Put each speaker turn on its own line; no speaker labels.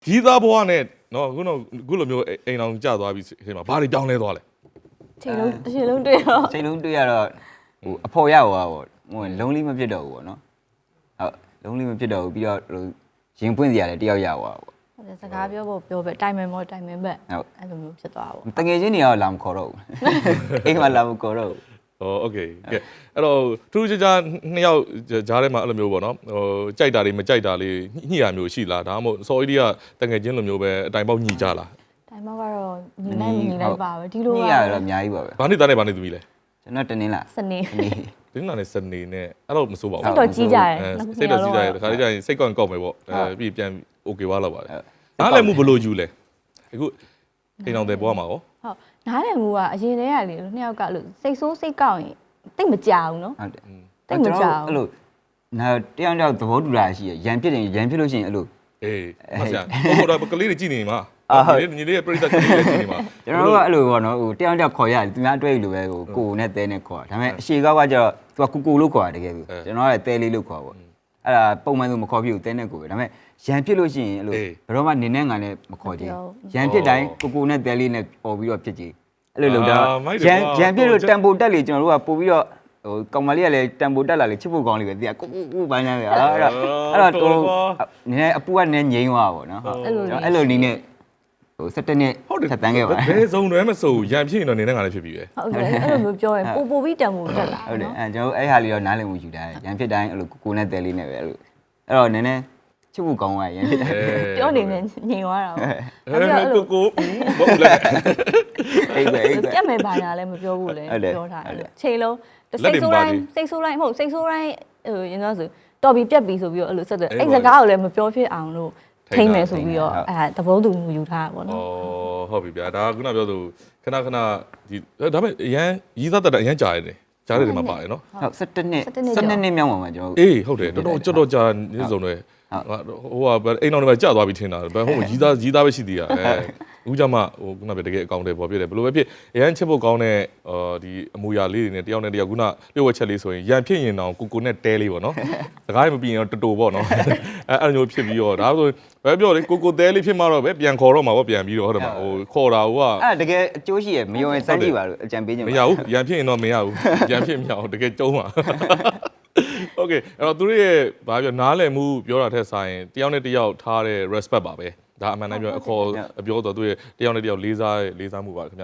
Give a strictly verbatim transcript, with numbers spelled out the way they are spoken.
ကြီးသားဘွားနဲ့နော်ခုတော့ခုလိုမျိုးအိမ်အောင်ကျသွားပြီဒီမှာဘာတွေပြောင်းလဲသွားလဲ
ချိန်လုံးတစ်ချိန်လုံးတွေ့တော့
ချိန်လုံးတွေ့ရတော့ဟိုအဖော်ရဟိုပေါ့ဟိုလုံးလေးမဖြစ်တော့ဘူးပေါ့နော်ဟုတ်လုံးလေးမဖြစ်တော့ဘူးပြီးတော့ဟိုရင်ပွင့်စရာလည်းတယောက်ရသွားပေါ့
ဟုတ်တယ်စကားပြောဖို့ပြောပဲတိုင်မင်မောတိုင်မင်ဘက်
ဟုတ်
အဲ့လိုမျိုးဖြစ်သွားပါ
တငယ်ချင်းတွေကတော့လာမခေါ်တော့ဘူးအိမ်မှာလာမခေါ်တော့ဘူး
ဟောโอเคကဲအဲ့တော့ထူးခြားခြားနှစ်ယောက်ဂျားထဲမှာအဲ့လိုမျိုးပေါ့နော်ဟိုကြိုက်တာတွေမကြိုက်တာလေးညှိရမျိုးရှိလားဒါမှမဟုတ်စော်အီဒီကတငယ်ချင်းလိုမျိုးပဲအတိုင်ပေါက်ညှိကြလား
တိုင်မောကတော့ညီနိုင်ညီလိုက်ပါပဲဒီလို
ည
က
ရတော့အများကြီးပါပဲ
ဘာနှစ်သားနဲ့ဘာနှစ်သမီးလဲ
ကျွန်တော်တင်းလာ
စနေ
ဒီနေ့နဲ့စနေနဲ့အဲ့တော့မစိုးပါဘူး
စိတ်တော့ကြီးကြတယ်
စိတ်တော့ကြီးကြတယ်ခါလေးကျရင်စိတ်ကောက်ကောက်မယ်ပေါ့အဲပြီးပြန်โอเคသွားတော့ပါတယ်နားလည်းမှုဘလို့ယူလဲအခုအိမ်အောင်တဲ့ဘွားမှာရော
ဟုတ်နားလည်မှုကအရင်တည်းကလေနှစ်ယောက်ကလို့စိတ်ဆိုးစိတ်ကောက်ရင်တိတ်မကြောက်ဘူးနော်
ဟုတ်တယ်
တိတ်မကြောက်
အဲ့လိုနာတယောက်တယောက်သဘောတူတာရှိရရန်ဖြစ်တယ်ရန်ဖြစ်လို့ရှိရင်အဲ့လို
အေးမဆရာဟိုတော့ကလေးတွေကြည့်နေမှာညီလေးညီလေးရဲ့ပြိတ္တကလေးတွေကြည့်နေမှာ
ကျွန်တော်တို့ကအဲ့လိုပေါ့နော်ဟိုတယောက်တယောက်ခေါ်ရတယ်သူများအတွဲလို့ပဲဟိုကိုနဲ့တဲနဲ့ခေါ်တာဒါပေမဲ့အရှိကောက်ကကျတော့သူကကူကူလို့ခေါ်တာတကယ်ပြီကျွန်တော်ကတဲလေးလို့ခေါ်ပါပေါ့အဲ့ဒါပုံမှန်ဆိုမခေါ်ပြဘူးတဲနဲ့ကိုပဲဒါပေမဲ့ရန်ဖြစ်လို့ရှိရင်အဲ့လိုဘယ်တော့မှနေနဲ့ငါနဲ့မခေါ်ကြဘူးရန်ဖြစ်တိုင်းကိုကိုနဲ့တဲလေးနဲ့ပေါ်ပြီးတော့ဖြစ်ကြအဲ့လိုလုပ်တော့ရန်ရန်ဖြစ်လို့တန်ပိုတက်လေကျွန်တော်တို့ကပို့ပြီးတော့ဟိုကောင်မလေးကလည်းတန်ပိုတက်လာလေချစ်ဖို့ကောင်းလေးပဲတရားကိုကိုကိုပိုင်းနေတယ်အဲ့တော့အဲ့တော့ဟိုနည်းအပူကနည်းငိမ့်သွားပါပေါ့နော်အဲ့လိုအဲ့လိုနည်းနဲ့ဟိုဆက်တက်နဲ့ဆက်တန်းခဲ့ပါ
ဘယ်စုံတွဲမစိုးရန်ဖြစ်ရင်တော့နေနဲ့ငါလည်းဖြစ်ပြီပဲ
ဟုတ်တယ်အဲ့လိုမျိုးပြောရင်ပို့ပို့ပြီးတန်ဖို့တက်လာ
ဟုတ်တယ်
နော်
အဲကျွန်တော်အဲ့ဟာလေးတော့နားလည်မှုယူတာရန်ဖြစ်တိုင်းအဲ့လိုကိုကိုနဲ့တဲလေးနဲ့ပဲအဲ့လိုအဲ့တော့နည်းနည်းချစ်ဖို့ကောင်းသွားရန်ဖြစ်တိုင်း
ပြောနေနေညင်သွားတာပေါ့
ကိုကိုဘောလဲ
အိတ်ပဲအိတ်ပဲ
ပြတ်မယ်ဘာညာလည်းမပြောဘူးလေပြောထားတယ်ချိန်လုံးစိတ်ဆိုးတိုင်းစိတ်ဆိုးတိုင်းမဟုတ်စိတ်ဆိုးတိုင်းဟိုရင်တော့ဆိုတော်ပြီပြက်ပြီဆိုပြီးတော့အဲ့လိုဆက်တယ်အဲ့စကားကိုလည်းမပြောဖြစ်အောင်လို့ထိမ့်မယ်ဆိုပြီးတော့အဲသဘောတူမှုယူထားတာပေါ့နော်
ဩဟုတ်ပြီဗျာဒါကခုနပြောသူခဏခဏဒီဒါပေမဲ့အရန်ရီးသားတက်တဲ့အရန်ကြားရတယ်ကြားရတယ်မှာပါတယ်နော်
ဟုတ်၁၇နှစ်၁၂နှစ်မြောက်ပါမှာကျွန်တော်
အေးဟုတ်တယ်တော်တော်ကြော့တော့ကြာနေစုံတွေဟိုကအိမ်တော်တွေကြာသွားပြီထင်တာဘယ်ဟိုရီးသားရီးသားပဲရှိသေးတာအဲအခုကြမှာဟိုခုနပြောတကယ်အကောင့်တွေပေါ်ပြတယ်ဘယ်လိုပဲဖြစ်အရန်ချစ်ဖို့ကောင်းတဲ့အာဒီအမူအရာလေးတွေနဲ့တယောက်နဲ့တယောက်ခုနလျှို့ဝှက်ချက်လေးဆိုရင်ရန်ဖြစ်ရင်တော့ကိုကိုနဲ့တဲလေးပေါ့နော်စကားမပြီးရင်တော့တူတူပေါ့နော်အဲအဲ့လိုမျိုးဖြစ်ပြီးတော့ဒါဆိုဘယ်ပြောလဲကိုကိုတဲလေးဖြစ်မှတော့ပဲပြန်ခေါ်တော့မှာပေါ့ပြန်ပြီးတော့ဟုတ်တယ်မဟိုခေါ်တာဟိုက
အဲ့တကယ်အကျိုးရှိရမယုံရင်စမ်းကြည့်ပါလို့အကြံပေးခြင်း
မရဘူးရန်ဖြစ်ရင်တော့မရဘူးရန်ဖြစ်မရဘူးတကယ်ကျုံးပါโอเคအဲ့တော့သူတို့ရဲ့ဘာပြောနားလည်မှုပြောတာထက်ဆိုင်တယောက်နဲ့တယောက်ထားတဲ့ respect ပါပဲဒါအမှန်တမ်းပြောအခေါ်ပြောတော့သူရဲ့တယောက်နဲ့တယောက်လေးစားလေးစားမှုပါခင်ဗျ